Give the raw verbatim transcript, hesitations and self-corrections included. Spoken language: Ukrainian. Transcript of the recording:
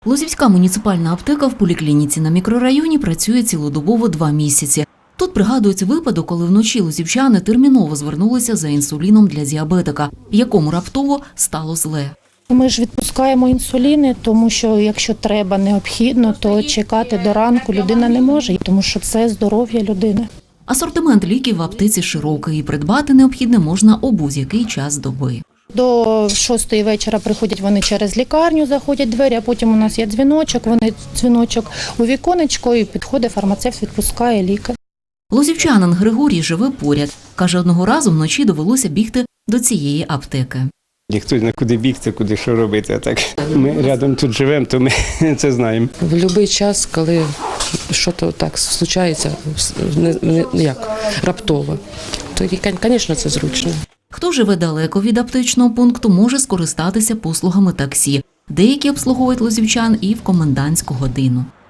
Лозівська муніципальна аптека в поліклініці на мікрорайоні працює цілодобово два місяці. Тут пригадується випадок, коли вночі лозівчани терміново звернулися за інсуліном для діабетика, якому раптово стало зле. Ми ж відпускаємо інсуліни, тому що якщо треба, необхідно, то чекати до ранку людина не може, тому що це здоров'я людини. Асортимент ліків в аптеці широкий і придбати необхідне можна у будь-який час доби. До шостої вечора приходять вони через лікарню, заходять двері, а потім у нас є дзвіночок, вони дзвіночок у віконечко і підходить фармацевт, відпускає ліки. Лозівчанин Григорій живе поряд. Каже, одного разу вночі довелося бігти до цієї аптеки. Хто знає, куди бігти, куди що робити. Так ми рядом тут живемо, то ми це знаємо. В будь-який час, коли щось так случається, не, не, як, раптово, то, звісно, це зручно. Хто живе далеко від аптечного пункту, може скористатися послугами таксі. Деякі обслуговують лозівчан і в комендантську годину.